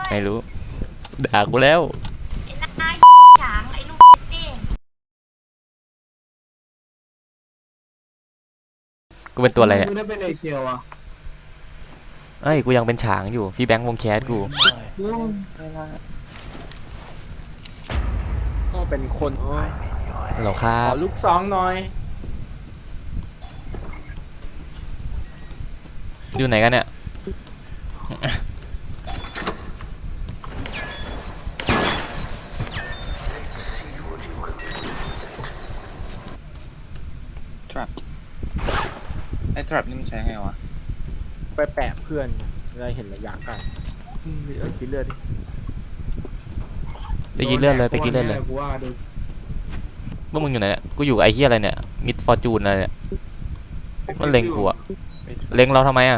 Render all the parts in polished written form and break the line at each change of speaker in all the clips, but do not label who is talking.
ไม่รู้ด่ากูแล้ว
ไอ้หน้าฉางไอ้ลูกนี่
กูเป็นตัวอะไรเนี่ย
กูได้เป็นไอเชียวอ่ะ
เอ้ยกูยังเป็นฉางอยู่พี่แบงค์วงแคสกู
ก็เป็นคน
เหรอครั
ข
บ
อลูกซองหน่อย
อยู่ไหนกันเนี่ย
ไอ้ trap นี่มันใช้ไงวะ
ไปแปะเพื่อนเลยเห็นระยะกันกินเลือดดิ
ไปกินเลือดเลยไปกินเลือดเลย
กูว่าดู
พวกมึงอยู่ไหนเนี่ยกูอยู่ไอ้เหี้ยอะไรเนี่ยมิดฟอร์จูนอะไรเนี่ยมันเล็งกูอะเล็งเราทำไมอะ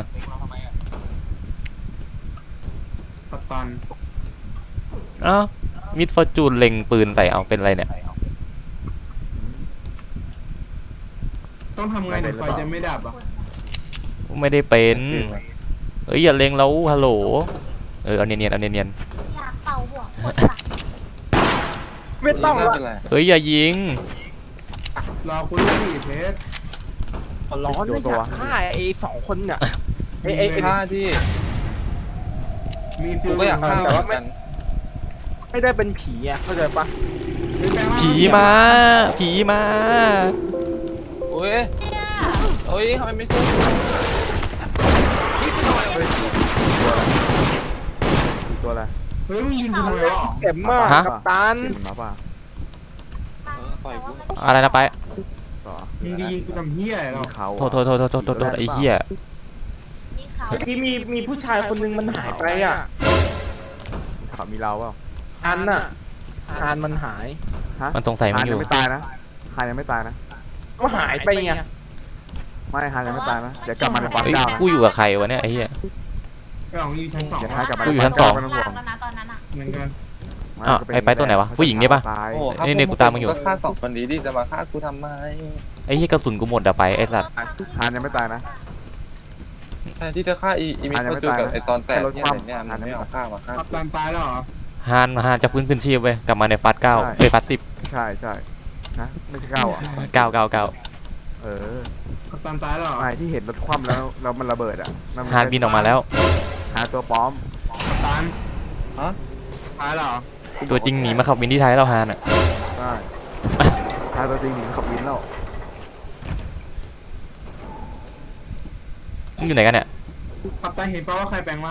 กัปตัน
อ้าวมิดฟอร์จูนเล็งปืนใส่เอาเป็นอะไรเนี่ย
ต้องทำไงถึงไฟจะไม่ดับอ่ะ
ไม่ได้เป็นเอ้ยอย่าเล็งเราฮัลโหลเอาเนียนๆเอาเนียน
อยากเป่าหัวคนว่ะ
ไม่ต้อง
ไม่
ละ
เป็นไร
ๆเอ้ยอย่ายิง
รอคุณด้วยดิเพชร
ร้อนเลยอยากฆ่าไอ้สองคนเนี่ยไอ้
ฆ่าที่
มีฟิ
กู
ว
ก็อยากฆ่า
แต่
เหมื
ว่า
อนกัน
ไม่ได้เป็นผีอ่ะเข้าใจปะ
ผีมาผีมา
โอ้ยโอ้ยทำไมไม่สู้
ตัวอะไร
เฮ้ยมึงยิงกูทำไมวะ
เข็มมากกับตัน
มาป่ะปล่อยกู
อะไรนะไป
มึงจะยิงกูทำเหี้ยอะไรหรอ
โทษไอ้เหี้ย
มีเขา
เมื่อกี้มีผู้ชายคนนึงมันหายไปอ่ะ
เขามีเราเปล่า
อันน่ะอันมันหาย
มันสงสัยมึ
ฮาง น
อ
ยั
ยู่
งไม่ตายนะฮานยังไม่ตายนะ
ก็หายไปไง
ไม่ฮานยังไม่ตายนะ เดี๋ยวกลับมาในฟาร์ม
เอ้ย
เจ้านะ
กูอยู่กับใครวะเนี่ยไอ้เหี้ย
ไอ้ของยิงชั้นสอง
เดี๋ยวฮานกลับมา
กูอยู่ชั้น
ฟาร์ม
2
เจ้าไม่ต้องห่วง
แล้วนะตอนนั้นอ่ะ
เหมือนกัน
อ้าวไอ้ไปตัวไหนวะผู้หญิงนี่ปะ
ตาย
โอ้ครับ
นี่กูตามมึงอยู่
ก็ฆ่าสองคนนี้ดิจะมาฆ่ากูทำไม
ไอ้เหี้ยกระสุนกูหมดอะไปไอ้สัตว์
ฮานยังไม่ตายนะ
แทนที่จะฆ่าอีมิสโตจูกับไอตอนแตกเนี่ยอะไรเนี่ยมันไม่เอาฆ่ามาฆ่า
กัปตันตายแล้วเหรอ
ฮานจะฟื้นคืนชีพเว้ยกลับมาในฟาส9เอ้ยฟาส10
ใช่ใช่นะไม่ใช่เก้าอ่ะ
9
เออ
กัปตันตายแล้วเหรอ
ไอ้ที่เห็นรถคว่ำแล้วมันระเบิดอ่ะ
ฮานบินออกมาแล้ว
ฮานตัวปลอม
กัปตัน
ฮะ
ตายแล้วเหรอ
ตัวจริงหนีมาขับวินที่ไทยแล้วฮานอะ
ใช่ฮานตัวจริงหนีขับวินแล้ว
มึงอยู่ไหนกันเนี่ย
กัปตันเห็นป่าว่าใครแปลงร่าง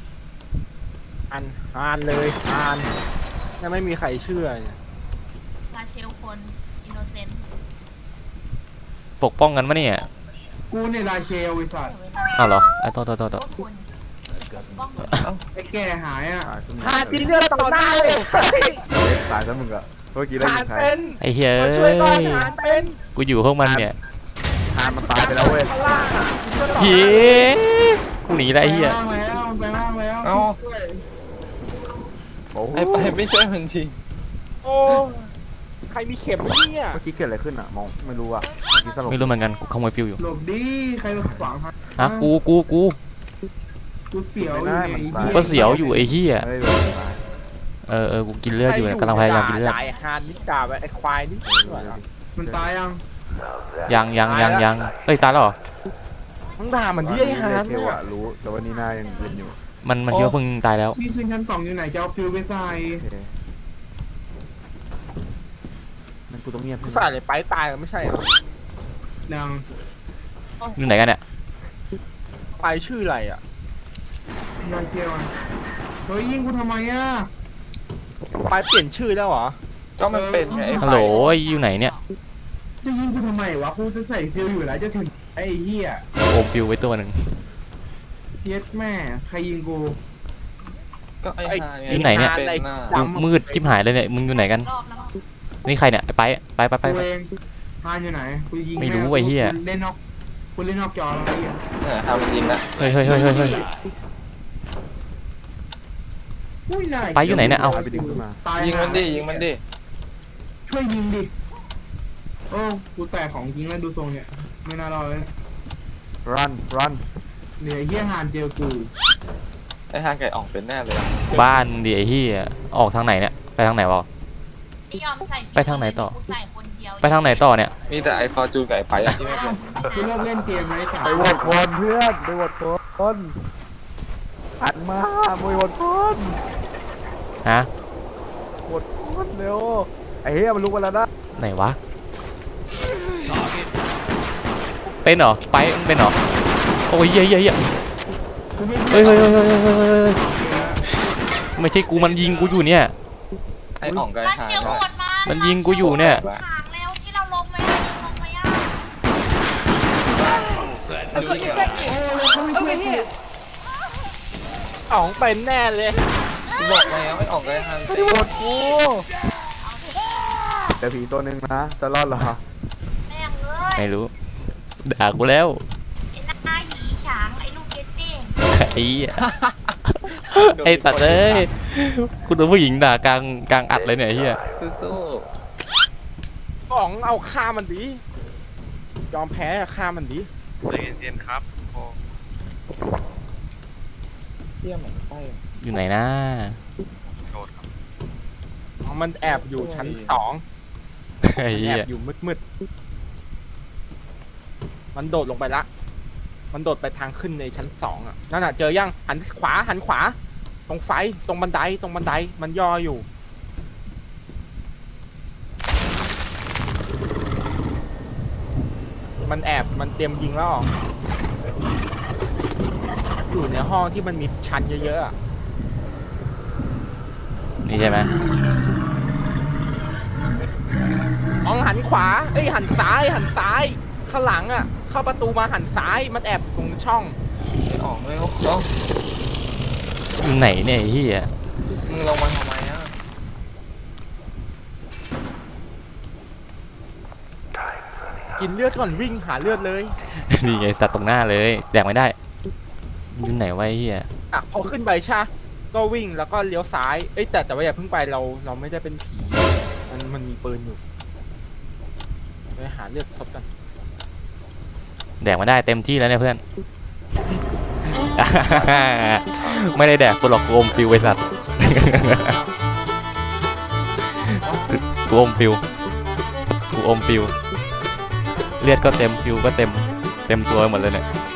อันเลยอันยังไม่มีใครเชื่อเนี่ย
ลาเชลคนอินโนเซนต์
ปกป้องกันมะเนี่ย
กูเนี่ยราเชลไอ้สัตว์
อ้าวเหรอไอ้โทษ
พวกคุณป้องกัน
ไอ้แก่หายอ่ะ
ตายขึ้น
หากินเลือดต่อหน้าเลย
ตายซะมึงอ่ะเมื่อกี้ได้
หา
ยินใคร
เป็น
ไอ้เหี้ย
มา
เอ้
ช่วยก่อน
ย
หาเป็น
กูอยู่ห้องมันเนี่ย
ฮานมันตายไปแล้วเว้ย
ข้างล่างอ่ะ
ผีกูหนีแล้วไอ้เหี้ย
แปลงร่างแล้ว
เอ้า
ช่วย
โอ้โห
ไอ้ไปไม่ช่วยมันที
โอ้ใครมีเข็มไหมเนี่ย
เมื่อกี้เกิดอะไรขึ้นอ่ะมองไม่รู้อ่ะเมื่อกี้สลบ
ไม่รู้เหมือนกันกูขโมยฟิวอยู่
หลบดิใครมาขวางทาง
ฮะกู
กูเสียวอยู่ใน
กูก็เสียวอยู่ไอ้เหี้ย
ไม่ได้เลยตาย
กูกินเลือดอยู่กำลังพยายามกินเลือด
ด่าไอ้ฮานนิด่าไปไอ้ควายนี่
มันตายยัง
ยังเอ้ยตายแล้วเหรอ
มึงด่ามันดิไอ้ฮาน
เท
เนี่
วย อะรู้แต่ว่านี่หน้ายังเย็นอยู่
มันคิดว่าเพิ่งตายแล้ว
ที่ขึ้นชั้นสองอยู่ไหนจะเอาฟิวไปใส่
โอเคนั่นกูต้องเงียบ
ใส่เลยไปตายไม่ใช่เหรอ
ยัง
อยู่ไหนกันเนี่ย
ไปชื่ออะไรอ่ะ
ราเชลเฮ้ยยิงกูทำไมอ่ะ
ไปเปลี่ยนชื่อแล้วเหรอ
ก็มันเป็นไงไอ้
ฮัลโหลอยู่ไหนเนี่ย
จะยิงกูทำไมวะกูจะใส่ฟิวอยู่แล้วจะถึงไอ้เหี้ย
โอมฟิวไว้ตัวหนึ่ง
เย็ดแม่ใครยิงกู
ก็ไอ้ฮา
อยู่ไหนเนี่ย
เป็นหน้า
กูมืดชิบหายเลยเนี่ยมึงอยู่ไหนกัน
รอบแล้วมั้ง
นี่ใครเนี่ยไป
กูเองฮานอยู่ไหนกูยิง
ไม่รู้ไอ้เหี้ย
เล่นนอกกูเล่นนอกจอแล้วไอ้เหี้ย
ทำยิงละ
เฮ้ย
อุ้ยนาย
ไปอยู่ไหนเนี่ยเอ้า
ไปดึงขึ้นมา
ตาย
ยิงมันดิยิงมันดิ
ช่วยยิงดิโอ้กูแตกของจริงแล้วดูทรงเนี่ยไม่น่ารอดเลย
รัน
เดี๋ยวไอ้เหี้ยฮานเจอกู
ไอ้ทางไก่อ่องเป็นแน่เลยอะ
บ้านดิไอ้เหี้ยออกทางไหนเนี่ยไปทางไหนวะ
ไม่ยอมใส่
ไปทางไหนต่อ
กูใส่คนเดียว
ไปทางไหนต่อเนี่ย
มีแต่ไอ้ฟอร์จูนกับไอ้ไปอะที่ไม่เป็น
กูเลิกเล่นเกมไหมสาม
ไปโหวตคนเพื่อนไปโหวตคนหันมาโหวตคน
ฮะ
โหวตคนเร็วไอ้เหี้ยมันลุกมาแล้วนะ
ไหนวะเป็นเหรอไปมึงเป็นเหรอโอ้ยเหี้ยเหี้ยเหี้ย
กูไม่
เฮ้ยเฮ้ยเฮ้ยเฮ้ยเฮ้ยเฮ้ยเฮ้ยไม่ใช่กูมันยิงกูอยู่เนี่ย
ไอ้อ่องกับ
ลา
ไอ้ทาง
เชลโหดมา
มันยิงกูอยู่เนี่ย
ขางแล้วที่เราลงไหมลงไหมอ่ะ
อ๋องเป็นแน่เลย
กูบอกแล้วไอ้อ่องกับไอ้ทาง
ไม่ได้โหวตกูแต่ผีตัวหนึ่งนะจะรอดเหรอ
แม่งเอ้ย
ไม่รู้ด่ากูแล้ว
ไอ้หน้าหยีฉางไอ้ลูกเก็ตตี้
ไอ้เหี้ยไอ้สัตว์เอ้ยกูโดนผู้หญิงด่ากลางอัดเลยเนี่ยไอ้เหี้ย
สู้
อ๋องเอาฆ่ามันดิยอมแพ้ฆ่ามันดิ
เย็นครับเที่ยเหมือนไส้
อยู่ไหนนะ
อ๋อมันแอบอยู่ชั้น2
ไอ้
แอ
เหี้ย
บอยู่มืดๆมันโดดลงไปละ มันโดดไปทางขึ้นในชั้น2อ่ะ นั่นน่ะเจอยังหันขวา ตรงไฟ ตรงบันได มันย่ออยู่ มันแอบ มันเตรียมยิงแล้วอ๋ออยู่ในห้องที่มันมีชั้นเยอะๆอะ
นี่ใช่ไหม
อ๋องหันขวา เอ้ยหันซ้าย ข้างหลังอ่ะ เข้าประตูมาหันซ้าย มันแอบตรงช่อง
ไอ้อ่องเลยเนาะ
อยู่ไหนเนี่ยไอ้เหี้ย
มึงลงมาทำไมอะ
กินเลือดก่อนวิ่งหาเลือดเลย
นี่ไงสัตว์ตรงหน้าเลยแดกไม่ได้อยู่ไหนวะไอ้เหี้ย
อ่ะพอขึ้นไปใช่ปะก็วิ่งแล้วก็เลี้ยวซ้าย เอ้ยแต่ว่าอย่าเพิ่งไปเราไม่ได้เป็นผี มันมีปืนอยู่ไปหาเลือดศพกัน
แดกไม่ได้เต็มที่แล้วเนี่ยเพื่อน ไม่ได้แดกกูหรอกกูอมฟิวไอ้สัตว์ กูอมฟิวเลือดก็เต็มฟิวก็เต็มตัวหมดเลยเนี่ย